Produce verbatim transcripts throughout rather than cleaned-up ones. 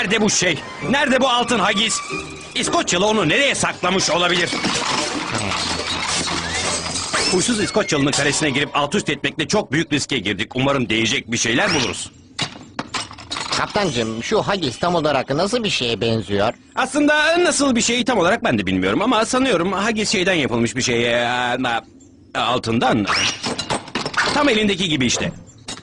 Nerede bu şey? Nerede bu altın hagis? İskoçyalı onu nereye saklamış olabilir? Huysuz İskoçyalı'nın kalesine girip alt üst etmekle çok büyük riske girdik. Umarım değecek bir şeyler buluruz. Kaptancığım, şu hagis tam olarak nasıl bir şeye benziyor? Aslında nasıl bir şey tam olarak ben de bilmiyorum ama sanıyorum hagis şeyden yapılmış bir şey. Ee, altından. Tam elindeki gibi işte.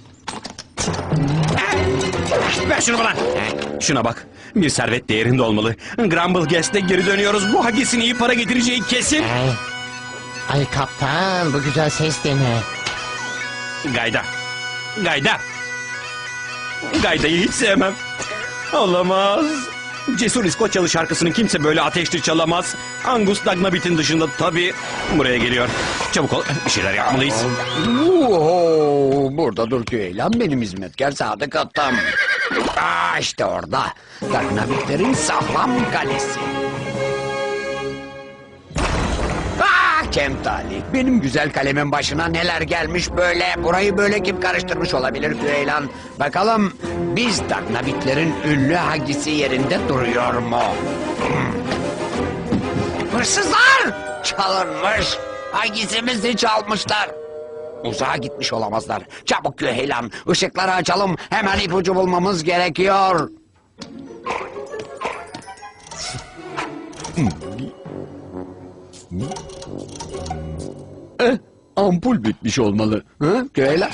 Ver şunu bana. Şuna bak. Bir servet değerinde olmalı. Grumble Guest'e geri dönüyoruz. Bu hagisin iyi para getireceği kesin. Ay, ay kaptan, bu güzel ses de ne? Gayda. Gayda. Gayda'yı hiç sevmem. Olamaz. Cesur İskoçyalı şarkısını kimse böyle ateşli çalamaz. Angus Dagnabit'in dışında tabii. Buraya geliyor. Çabuk ol. Bir şeyler yapmalıyız. Oo, burada dur Güeylan, benim hizmetkar sadık atam. Aa, işte orada. Dagnabitlerin sağlam kalesi. Ah Kemtali, benim güzel kalemin başına neler gelmiş böyle. Burayı böyle kim karıştırmış olabilir Güeylan? Bakalım biz Dagnabitlerin ünlü hagisi yerinde duruyor mu? Hmm. Hırsızlar! Çalınmış. Hagisimizi çalmışlar. Uzağa gitmiş olamazlar. Çabuk Güeylan, ışıkları açalım. Hemen ipucu bulmamız gerekiyor. Eh, ampul bitmiş olmalı. Hı, Güeylan?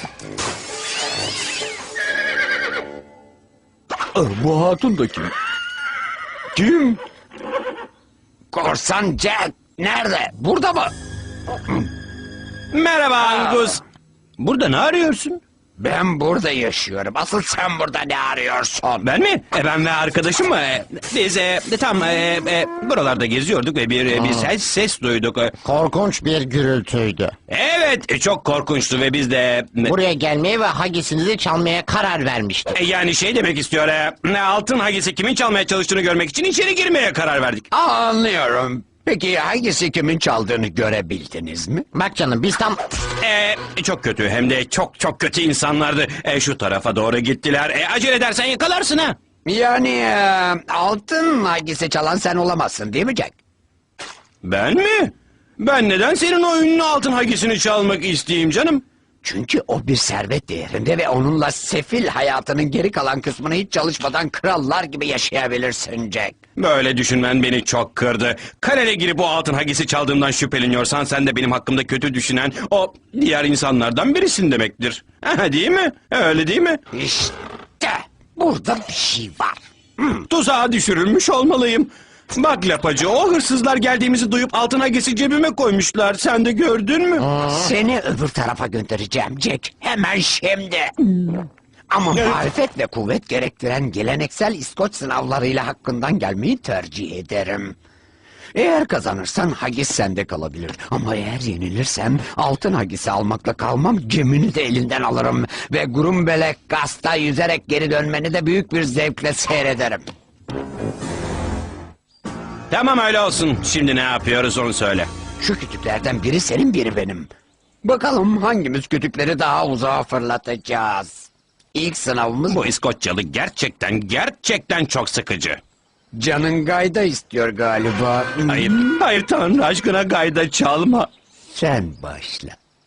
Ah, bu hatun da kim? Kim? Korsan Jack. Nerede? Burada mı? Merhaba Angus. Burada ne arıyorsun? Ben burada yaşıyorum. Asıl sen burada ne arıyorsun? Ben mi? E, ben ve arkadaşım mı? E, biz e, tam e, e, buralarda geziyorduk ve bir, e, bir ses, ses duyduk. E, Korkunç bir gürültüydü. Evet, e, çok korkunçtu ve biz de... e, Buraya gelmeye ve hagisinizi çalmaya karar vermiştik. e, yani şey demek istiyor, e, altın hagisi kimin çalmaya çalıştığını görmek için içeri girmeye karar verdik. Aa, anlıyorum. Peki hangisi kimin çaldığını görebildiniz mi? Bak canım, biz tam... E, çok kötü, hem de çok çok kötü insanlardı. E, şu tarafa doğru gittiler. E, acele edersen yakalarsın ha. Yani e, altın hangisi çalan sen olamazsın değil mi Jack? Ben mi? Ben neden senin o ünlü altın hagisini çalmak isteyeyim canım? Çünkü o bir servet değerinde ve onunla sefil hayatının geri kalan kısmını hiç çalışmadan krallar gibi yaşayabilirsin Jack. Böyle düşünmen beni çok kırdı. Kalene girip o altın hagisi çaldığımdan şüpheleniyorsan sen de benim hakkımda kötü düşünen o diğer insanlardan birisin demektir. Ha, değil mi? Öyle değil mi? İşte burada bir şey var. Hmm. Tuzağa düşürülmüş olmalıyım. Bak lapacı, o hırsızlar geldiğimizi duyup altın hagisi cebime koymuşlar. Sen de gördün mü? Seni öbür tarafa göndereceğim Jack. Hemen şimdi. Ama marifet ve kuvvet gerektiren geleneksel İskoç sınavlarıyla hakkından gelmeyi tercih ederim. Eğer kazanırsan hagis sende kalabilir. Ama eğer yenilirsem altın hagisi almakla kalmam, gemini de elinden alırım. Ve Grumbelek Gast'a yüzerek geri dönmeni de büyük bir zevkle seyrederim. Tamam, öyle olsun. Şimdi ne yapıyoruz onu söyle. Şu kütüklerden biri senin, biri benim. Bakalım hangimiz kütükleri daha uzağa fırlatacağız. İlk sınavımız Bu İskoçyalı gerçekten gerçekten çok sıkıcı. Canın gayda istiyor galiba. Hayır, hayır Tanrı aşkına gayda çalma. Sen başla.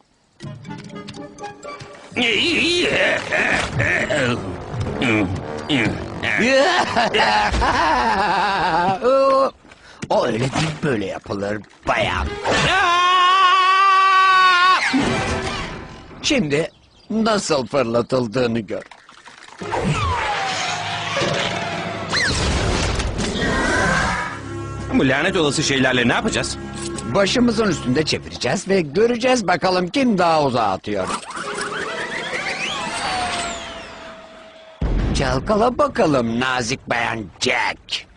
O öyle değil, böyle yapılır bayan. Şimdi nasıl fırlatıldığını gör. Bu lanet olası şeylerle ne yapacağız? Başımızın üstünde çevireceğiz ve göreceğiz bakalım kim daha uzağa atıyor. Çalkala bakalım nazik bayan Jack.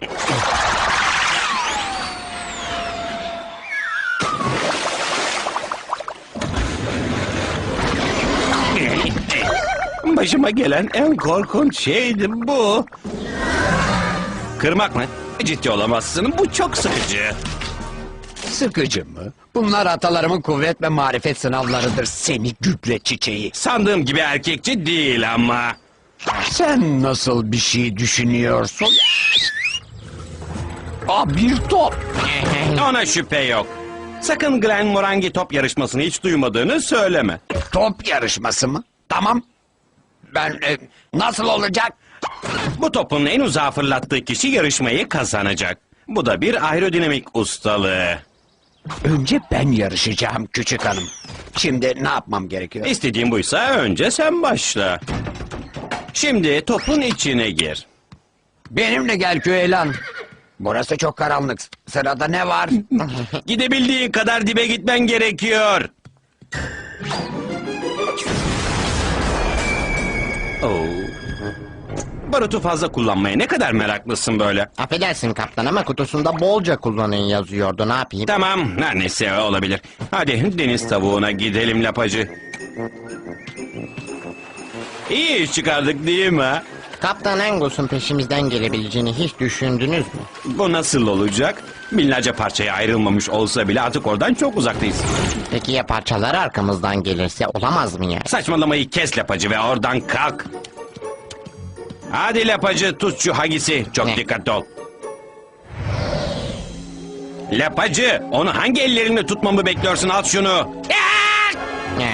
Başıma gelen en korkunç şeydi bu. Kırmak mı? Ciddi olamazsın. Bu çok sıkıcı. Sıkıcı mı? Bunlar atalarımın kuvvet ve marifet sınavlarıdır, seni gübre çiçeği. Sandığım gibi erkekçi değil ama. Sen nasıl bir şey düşünüyorsun? Aa, bir top. Ona şüphe yok. Sakın Glen Morangi top yarışmasını hiç duymadığını söyleme. Top yarışması mı? Tamam. Ben e, nasıl olacak? Bu topun en uzağa fırlattığı kişi yarışmayı kazanacak. Bu da bir aerodinamik ustalığı. Önce ben yarışacağım küçük hanım. Şimdi ne yapmam gerekiyor? İstediğin buysa önce sen başla. Şimdi topun içine gir. Benimle gel Küheylan. Burası çok karanlık. Sırada ne var? Gidebildiğin kadar dibe gitmen gerekiyor. Oo. Barutu fazla kullanmaya ne kadar meraklısın böyle. Affedersin kaptan ama kutusunda bolca kullanın yazıyordu, ne yapayım? Tamam, her neyse olabilir. Hadi deniz tavuğuna gidelim lapacı. İyi iş çıkardık değil mi? ha? Kaptan Angus'un peşimizden gelebileceğini hiç düşündünüz mü? Bu nasıl olacak? Binlerce parçaya ayrılmamış olsa bile artık oradan çok uzaktayız. Peki ya parçalar arkamızdan gelirse olamaz mı ya? Saçmalamayı kes lapacı ve oradan kalk. Hadi lapacı tut şu hagisi. Çok Ne? dikkatli ol. Lapacı onu hangi ellerinle tutmamı bekliyorsun? Al şunu. Ne?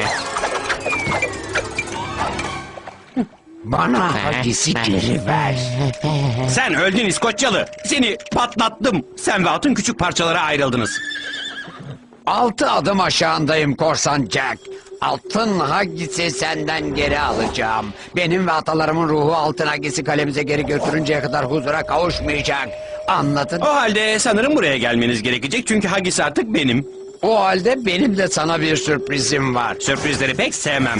Bana hagisi geri ver. Sen öldün İskoçyalı. Seni patlattım. Sen ve atın küçük parçalara ayrıldınız. Altı adım aşağındayım korsan Jack. Altın hagisi senden geri alacağım. Benim ve atalarımın ruhu altın hagisi kalemize geri götürünceye kadar huzura kavuşmayacak. Anladın? O halde sanırım buraya gelmeniz gerekecek. Çünkü hagisi artık benim. O halde benim de sana bir sürprizim var. Sürprizleri pek sevmem.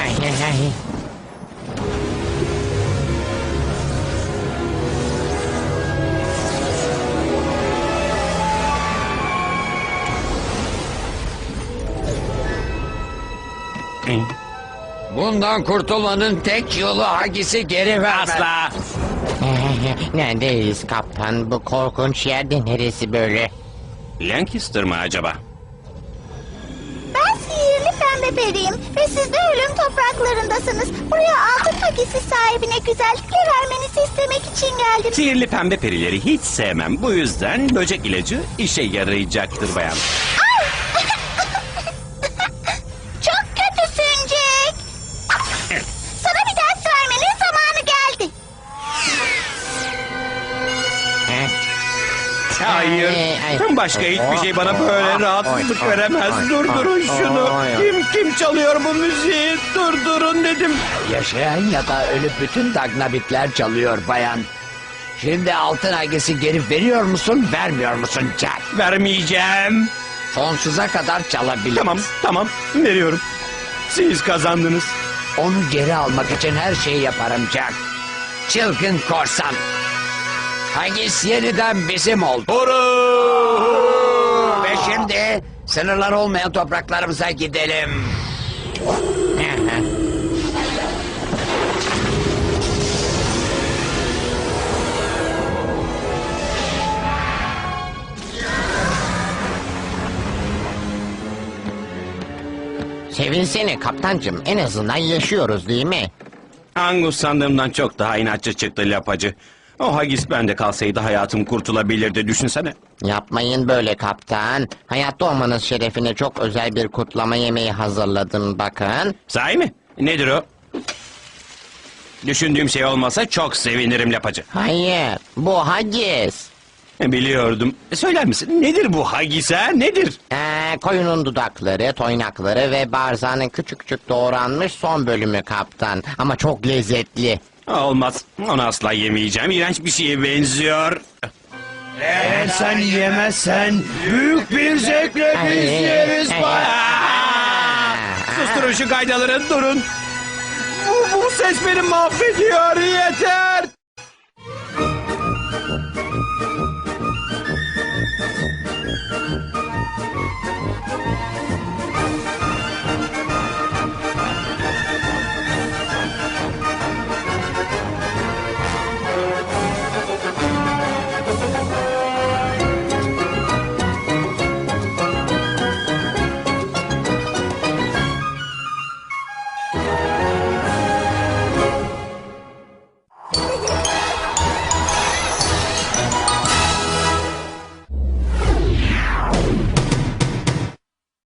Bundan kurtulmanın tek yolu hagisi geri vermek. Asla. Neredeyiz kaptan? Bu korkunç yerde neresi böyle? Lancaster mı acaba? Ben sihirli pembe periyim ve siz de ölüm topraklarındasınız. Buraya altın hagisi sahibine güzellikle vermenizi istemek için geldim. Sihirli pembe perileri hiç sevmem. Bu yüzden böcek ilacı işe yarayacaktır bayan. Çok kötüsün Jack. Sana bir ders vermenin zamanı geldi. Hayır. Ay, ay. Başka hiçbir şey bana böyle rahatsızlık Ay, ay, veremez. ay, Durdurun ay, şunu. ay, ay. Kim kim çalıyor bu müziği? Durdurun dedim. Yaşayan ya da ölü bütün dagnabitler çalıyor bayan. Şimdi altın hagisi geri veriyor musun, vermiyor musun Jack? Vermeyeceğim. Sonsuza kadar çalabilir. Tamam tamam veriyorum. Siz kazandınız. Onu geri almak için her şeyi yaparım Jack. Çılgın korsan. Hagis yeniden bizim oldu. Ve şimdi sınırlar olmayan topraklarımıza gidelim. Sevinsene kaptancım, en azından yaşıyoruz değil mi? Angus sandığımdan çok daha inatçı çıktı lapacı. O hagis bende kalsaydı hayatım kurtulabilirdi düşünsene. Yapmayın böyle kaptan. Hayatta olmanız şerefine çok özel bir kutlama yemeği hazırladım bakın. Sahi mi? Nedir o? Düşündüğüm şey olmasa çok sevinirim lapacı. Hayır, bu haggis. Biliyordum. Söyler misin nedir bu hagis ha nedir? Ee, koyunun dudakları, toynakları ve barzanın küçük küçük doğranmış son bölümü kaptan. Ama çok lezzetli. Olmaz. Onu asla yemeyeceğim. İğrenç bir şeye benziyor. Eğer sen yemezsen büyük bir zevkle Ay, yeriz ay, bayan. Susturun şu gaydaları durun. Bu, bu ses beni mahvediyor.